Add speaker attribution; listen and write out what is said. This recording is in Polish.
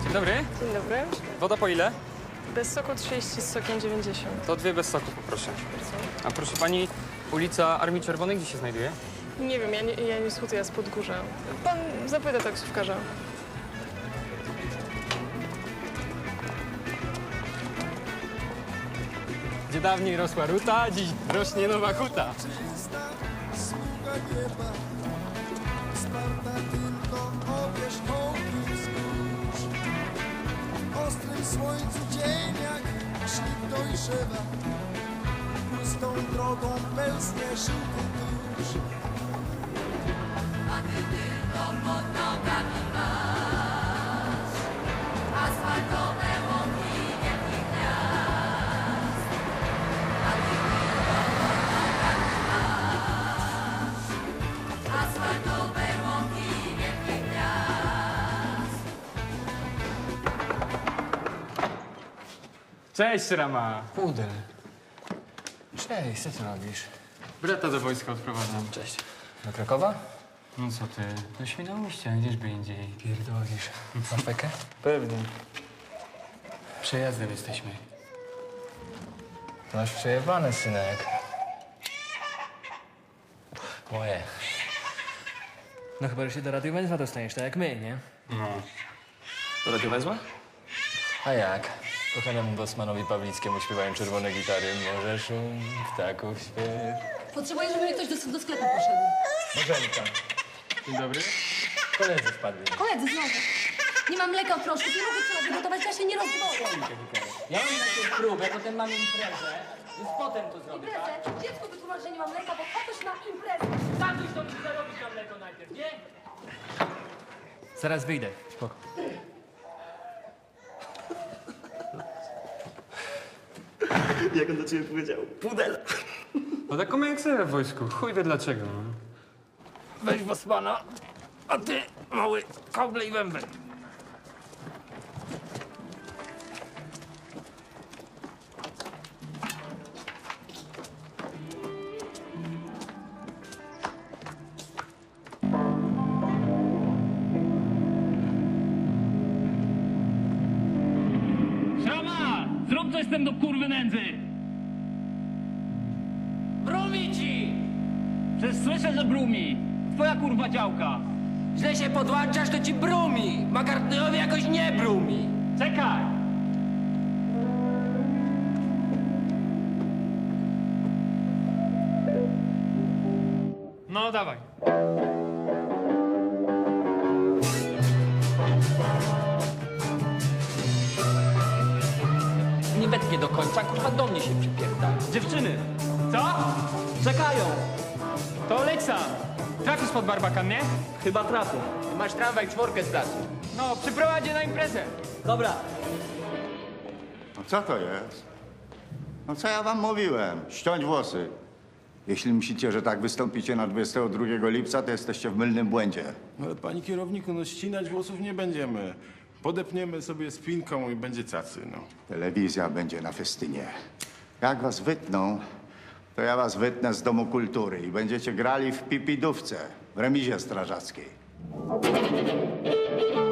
Speaker 1: Dzień dobry.
Speaker 2: Dzień dobry.
Speaker 1: Woda po ile?
Speaker 2: Bez soku 30, z sokiem 90.
Speaker 1: To 2 bez soku poproszę. A proszę pani, ulica Armii Czerwonej gdzie się znajduje?
Speaker 2: Nie wiem, ja nie skutuję z Podgórza. Pan zapyta taksówkarza.
Speaker 1: Gdzie dawniej rosła ruta, dziś rośnie nowa huta.
Speaker 3: Smuga nieba, sparta tylko o wierzchołki wzgórz. W ostrym słońcu dzień jak szlip dojrzewa, pustą drogą pelznie żółty tusz.
Speaker 4: A ty tylko pod nogami masz asfaltowe łąki wielkich gwiazd. A ty tylko pod nogami masz asfaltowe łąki wielkich gwiazd.
Speaker 1: Cześć, Rama.
Speaker 5: Pudel. Cześć, co ty robisz?
Speaker 1: Brata do wojska odprowadzam.
Speaker 5: Cześć. Do Krakowa?
Speaker 1: No co ty, do Świnoujścia, gdzieżby indziej.
Speaker 5: Pierdolisz. Masz pekę?
Speaker 1: Pewnie. Przejazdem jesteśmy.
Speaker 5: To masz przejebane, synek. Moje. No chyba, że się do radiowęzła dostaniesz, tak jak my, nie?
Speaker 1: No.
Speaker 5: Do radiowęzła? A jak? Kochanemu Bosmanowi Pawlickiemu śpiewają czerwone gitary. Morze szum, ptaków śpiew.
Speaker 4: Potrzebuję, żeby mi ktoś do sklepu poszedł.
Speaker 5: Morzenka.
Speaker 1: Dzień dobry.
Speaker 5: Koledzy wpadli.
Speaker 4: Koledzy, znowu. Nie mam mleka w proszku, nie mogę trzeba wygotować, ja się nie rozdwoję.
Speaker 5: Ja mam najpierw próbę, potem mam imprezę, więc potem to zrobię, tak?
Speaker 4: Imprezę? Dziecku wytłumacz, że nie mam mleka, bo tatuś ma imprezę.
Speaker 5: Tatuś to musi zarobić na mleko najpierw, nie? Zaraz wyjdę. Spoko.
Speaker 6: Jak on do ciebie powiedział? Pudel.
Speaker 1: No taką jak sobie w wojsku, chuj wie dlaczego. No.
Speaker 5: Weź Bosmana, a ty, mały, koble i wębel.
Speaker 7: Szrama! Zrób coś z tym do kurwy nędzy!
Speaker 8: Brumi ci!
Speaker 7: Przecież słyszę, że brumi! Twoja kurwa działka!
Speaker 8: Źle się podłączasz, to ci brumi! Makartnyowi jakoś nie brumi!
Speaker 7: Czekaj! No dawaj.
Speaker 8: Nie wetnie do końca, kurwa do mnie się przypierdala.
Speaker 7: Dziewczyny! Co? Czekają! To leć sam! Trafisz pod barbakan, nie?
Speaker 8: Chyba trafię. Masz tramwaj czworkę z placu.
Speaker 7: No, przyprowadź je na imprezę!
Speaker 8: Dobra.
Speaker 9: No co to jest? No co ja wam mówiłem? Ściąć włosy. Jeśli myślicie, że tak wystąpicie na 22 lipca, to jesteście w mylnym błędzie.
Speaker 10: Ale panie kierowniku, no ścinać włosów nie będziemy. Podepniemy sobie spinką i będzie cacy, no.
Speaker 9: Telewizja będzie na festynie. Jak was wytną, to ja was wytnę z Domu Kultury i będziecie grali w pipidówce w remizie strażackiej.